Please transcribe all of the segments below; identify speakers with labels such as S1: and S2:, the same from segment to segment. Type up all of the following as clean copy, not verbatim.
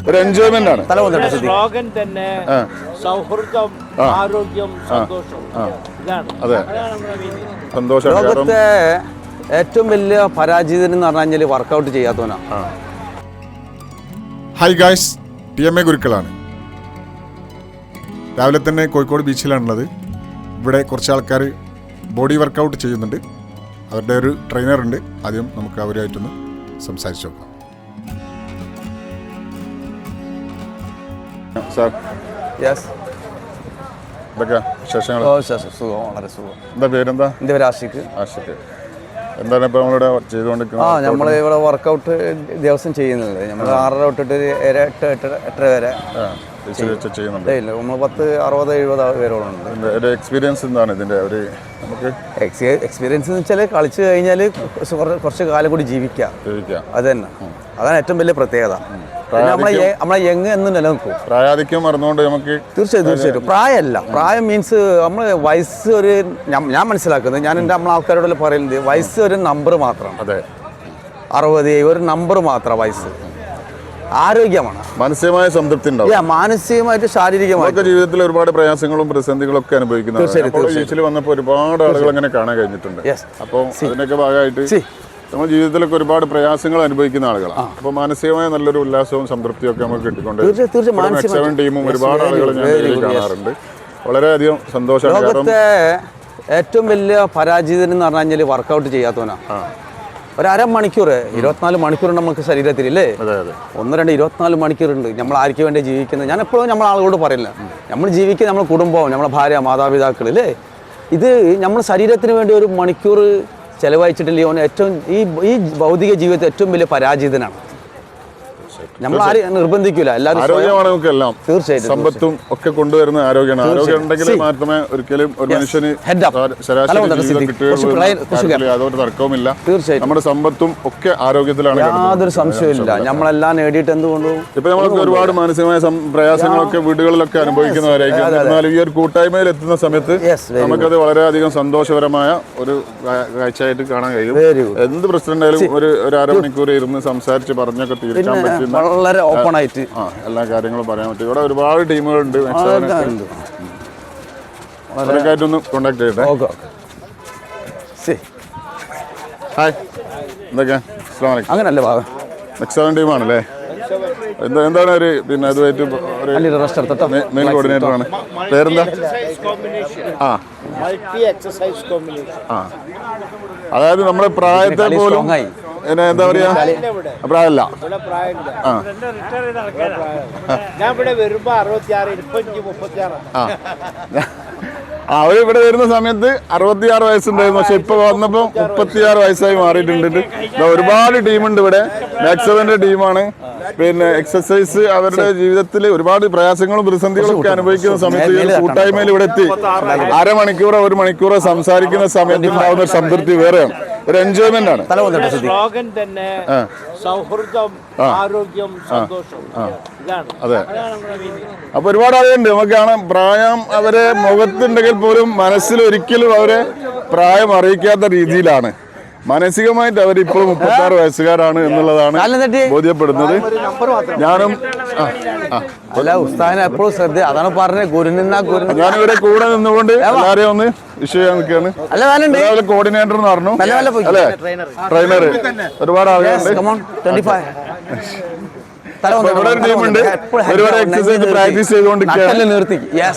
S1: ഒരു എൻജോയ്മെന്റ് ആണ്.
S2: സ്ലോഗൻ തന്നെ സൗഹൃദം, ആരോഗ്യം, സന്തോഷം.
S1: അതെ, സന്തോഷം.
S3: ലോകത്തെ ഏറ്റവും വലിയ പരാജിതൻ എന്ന് പറഞ്ഞു കഴിഞ്ഞാൽ വർക്കൗട്ട് ചെയ്യാത്തവനാണ്.
S4: ഹായ് ഗായ്സ്, TMA ഗുരുക്കളാണ്. രാവിലെ തന്നെ കോഴിക്കോട് ബീച്ചിലാണുള്ളത്. ഇവിടെ കുറച്ച് ആൾക്കാർ ബോഡി വർക്കൗട്ട് ചെയ്യുന്നുണ്ട്. അവരുടെ ഒരു ട്രെയിനർ ഉണ്ട്. ആദ്യം നമുക്ക് അവരുമായിട്ടൊന്ന് സംസാരിച്ച് നോക്കാം.
S1: സാർ, എന്താ പേരെന്താ?
S3: എൻ്റെ പേര് ആഷിഖ്.
S1: എന്താണ് ഇപ്പൊ നമ്മളിവിടെ ചെയ്തുകൊണ്ടിരിക്കുന്നത്?
S3: നമ്മളിവിടെ വർക്കൗട്ട് ദിവസം ചെയ്യുന്നുണ്ട്. നമ്മൾ 6:30 തൊട്ടിട്ട് 8 വരെ
S1: ചെയ്യുന്നുണ്ട്.
S3: നമ്മൾ 10, 60, 70 പേരോളം ഉണ്ട്.
S1: എക്സ്പീരിയൻസ് എന്താണ് ഇതിന്റെ? ഒരു നമുക്ക്
S3: എക്സ്പീരിയൻസ് എന്ന് വെച്ചാൽ കളിച്ചു കഴിഞ്ഞാൽ കുറച്ച് കാലം കൂടി ജീവിക്കാം. അത് തന്നെ, അതാണ് ഏറ്റവും വലിയ പ്രത്യേകത. നമ്മളെ യങ് എന്ന് നിലനിൽക്കും.
S1: പ്രായാധിക്യം മറന്നുകൊണ്ട് നമുക്ക്
S3: തീർച്ചയായിട്ടും പ്രായമല്ല. പ്രായം മീൻസ് നമ്മൾ വയസ്സ് ഒരു ഞാൻ മനസ്സിലാക്കുന്നത്, ഞാൻ എൻ്റെ നമ്മളെ ആൾക്കാരോട് പറയുന്നത് വയസ്സ് ഒരു നമ്പർ മാത്രമാണ്.
S1: അതെ,
S3: 60 ഒരു നമ്പർ മാത്രം. വയസ്സ് ആരോഗ്യമാണ്.
S1: മാനസികമായ സംതൃപ്തി ഉണ്ടാവും.
S3: മാനസികമായിട്ട് ശാരീരികമായിട്ട്
S1: ജീവിതത്തിൽ ഒരുപാട് പ്രയാസങ്ങളും പ്രതിസന്ധികളും ഒക്കെ അനുഭവിക്കുന്നത് വന്നപ്പോൾ ഒരുപാട് ആളുകൾ അങ്ങനെ കാണാൻ കഴിഞ്ഞിട്ടുണ്ട്. അപ്പോൾ അതിനൊക്കെ ഭാഗമായിട്ട് നമ്മൾ ജീവിതത്തിലൊക്കെ ഒരുപാട് പ്രയാസങ്ങൾ അനുഭവിക്കുന്ന ആളുകളാണ്. അപ്പോൾ മാനസികമായ നല്ലൊരു ഉല്ലാസവും സംതൃപ്തിയും ഒക്കെ നമുക്ക് കിട്ടിക്കൊണ്ട് ടീമും ഒരുപാട് ആളുകൾ ഞാൻ കാണാറുണ്ട്. വളരെയധികം സന്തോഷമാണ്.
S3: ലോകത്തെ ഏറ്റവും വലിയ പരാജിതൻ എന്ന് പറഞ്ഞു കഴിഞ്ഞാൽ വർക്കൗട്ട് ചെയ്യാത്തവനാണ്. ഒരു അരമണിക്കൂർ, 24 മണിക്കൂർ നമുക്ക് ശരീരത്തിൽ ഇല്ലേ? 1, 2, 24 മണിക്കൂറുണ്ട്. നമ്മൾ ആർക്ക് വേണ്ടി ജീവിക്കുന്നത്? ഞാൻ എപ്പോഴും നമ്മൾ ആളുകളോട് പറയില്ല, നമ്മൾ ജീവിക്കുന്നത് നമ്മുടെ കുടുംബം, നമ്മളെ ഭാര്യ, മാതാപിതാക്കൾ ഇല്ലേ? ഇത് നമ്മൾ ശരീരത്തിന് വേണ്ടി ഒരു മണിക്കൂർ ചെലവഴിച്ചിട്ടില്ലേ ഓൻ ഏറ്റവും ഈ ഭൗതിക ജീവിതത്തിൽ ഏറ്റവും വലിയ പരാജിതനാണ്. നമ്മൾ ആരും നിർബന്ധിക്കില്ല.
S1: ആരോഗ്യമാണ് നമുക്കെല്ലാം.
S3: തീർച്ചയായിട്ടും
S1: സമ്പത്തും ഒക്കെ കൊണ്ടുവരുന്ന ആരോഗ്യമാണ്. ആരോഗ്യം ഉണ്ടെങ്കിൽ മാത്രമേ ഒരിക്കലും ഒരു മനുഷ്യന് യാതൊരു തർക്കവുമില്ല.
S3: തീർച്ചയായിട്ടും
S1: നമ്മുടെ സമ്പത്തും ഒക്കെ ആരോഗ്യത്തിലാണ്.
S3: യാതൊരു സംശയമില്ല. നമ്മളെല്ലാം നേടിയിട്ട് എന്തുകൊണ്ടും
S1: ഇപ്പൊ നമ്മൾക്ക് ഒരുപാട് മാനസികമായ പ്രയാസങ്ങളൊക്കെ വീടുകളിലൊക്കെ അനുഭവിക്കുന്നവരായിരിക്കും. എന്നാലും ഈ ഒരു കൂട്ടായ്മയിൽ എത്തുന്ന സമയത്ത് നമുക്കത് വളരെയധികം സന്തോഷകരമായ ഒരു കാഴ്ചയായിട്ട് കാണാൻ കഴിയും. എന്ത് പ്രശ്നം ആയാലും ഒരു അരമണിക്കൂർ ഇരുന്ന് സംസാരിച്ച് പറഞ്ഞൊക്കെ തീർക്കാൻ പറ്റുന്ന
S3: വളരെ ഓപ്പൺ ആയിട്ട്
S1: എല്ലാ കാര്യങ്ങളും പറയാൻ പറ്റും. ഇവിടെ ഒരുപാട് ടീമുകളുണ്ട്. അവരൊക്കെയായിട്ടൊന്ന് കോണ്ടാക്ട് ചെയ്യട്ടെ. ഹായ്, എന്തൊക്കെയാ?
S3: അങ്ങനല്ലേ ഭാഗം
S1: നെക്സ്റ്റ് ടീമാണല്ലേ? എന്താണ് ഒരു പിന്നെ അതുമായിട്ട് മെയിൻ കോർഡിനേറ്റർ ആണ്. പേരെന്താ? അതായത് നമ്മുടെ പ്രായത്തെ പോലും എന്താ പറയാ, പ്രായമല്ല. അവരിവിടെ വരുന്ന സമയത്ത് 66 വയസ്സുണ്ടായിരുന്നു. പക്ഷെ ഇപ്പൊ വന്നപ്പോ 36 വയസ്സായി മാറിയിട്ടുണ്ട്. ഒരുപാട് ടീമുണ്ട് ഇവിടെ. മാക്സവന്റെ ടീമാണ്. പിന്നെ എക്സസൈസ് അവരുടെ ജീവിതത്തിൽ ഒരുപാട് പ്രയാസങ്ങളും പ്രതിസന്ധികളും ഒക്കെ അനുഭവിക്കുന്ന സമയത്ത് കൂട്ടായ്മയിൽ ഇവിടെ എത്തി അരമണിക്കൂറോ 1 മണിക്കൂറോ സംസാരിക്കുന്ന സമയത്ത് ഉണ്ടാവുന്ന ഒരു സംതൃപ്തി വേറെയാണ്. ഒരു എൻജോയ്മെന്റ് ആണ്.
S2: സ്ലോഗൻ തന്നെ സൗഹൃദം, ആരോഗ്യം, സന്തോഷം.
S1: അതെ, അപ്പൊ ഒരുപാട് ആളുകളുണ്ട്. നമുക്ക് കാണാം പ്രായം അവരെ മുഖത്തുണ്ടെങ്കിൽ പോലും മനസ്സിൽ ഒരിക്കലും അവരെ പ്രായം അറിയിക്കാത്ത രീതിയിലാണ്. മാനസികമായിട്ട് അവരിപ്പോഴും 36 വയസ്സുകാരാണ് എന്നുള്ളതാണ് ബോധ്യപ്പെടുന്നത്. ഞാനും ഞാനിവിടെ കൂടെ നിന്നുകൊണ്ട് എല്ലാരെയും ഒന്ന് വിഷ് ചെയ്യാൻ നിൽക്കുകയാണ്. കോർഡിനേറ്റർ എന്ന് പറഞ്ഞു അല്ലേ? ട്രെയിനർ, ഒരുപാട് ആളുകളുണ്ട്. ഇവിടെ ഒരു ടീമുണ്ട്. ഒരുപാട് എക്സസൈസ് പ്രാക്ടീസ് ചെയ്തുകൊണ്ടിരിക്കുകയാണ്.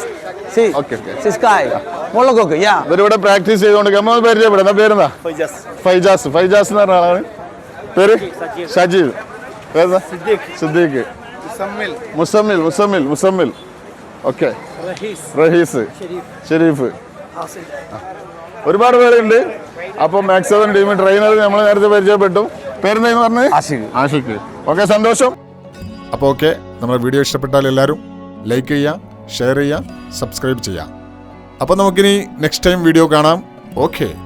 S1: ഇവരിവിടെ പ്രാക്ടീസ് ചെയ്തുകൊണ്ടിരിക്കുക. പരിചയപ്പെടുന്ന പേരെന്താ? ഫൈജാസ്. ഫൈജാസ് എന്ന് പറഞ്ഞ ആളാണ്. പേര് ഷജീദ്. പേരെന്താ? സിദ്ദീഖ്. മുസമ്മിൽ. ഓക്കെ. റഹീസ്, ഷെരീഫ്. ഒരുപാട് പേരുണ്ട്. അപ്പൊ മാക്സവൻ ടീം ട്രെയിനർ നമ്മൾ നേരത്തെ പരിചയപ്പെട്ടു. പേരെന്താന്ന് പറഞ്ഞത്? ആഷിഖ്. ഓക്കെ, സന്തോഷം.
S4: അപ്പോൾ ഓക്കെ, നമ്മുടെ വീഡിയോ ഇഷ്ടപ്പെട്ടാൽ എല്ലാവരും ലൈക്ക് ചെയ്യുക, ഷെയർ ചെയ്യുക, സബ്സ്ക്രൈബ് ചെയ്യുക. അപ്പോൾ നമുക്കിനി നെക്സ്റ്റ് ടൈം വീഡിയോ കാണാം. ഓക്കെ.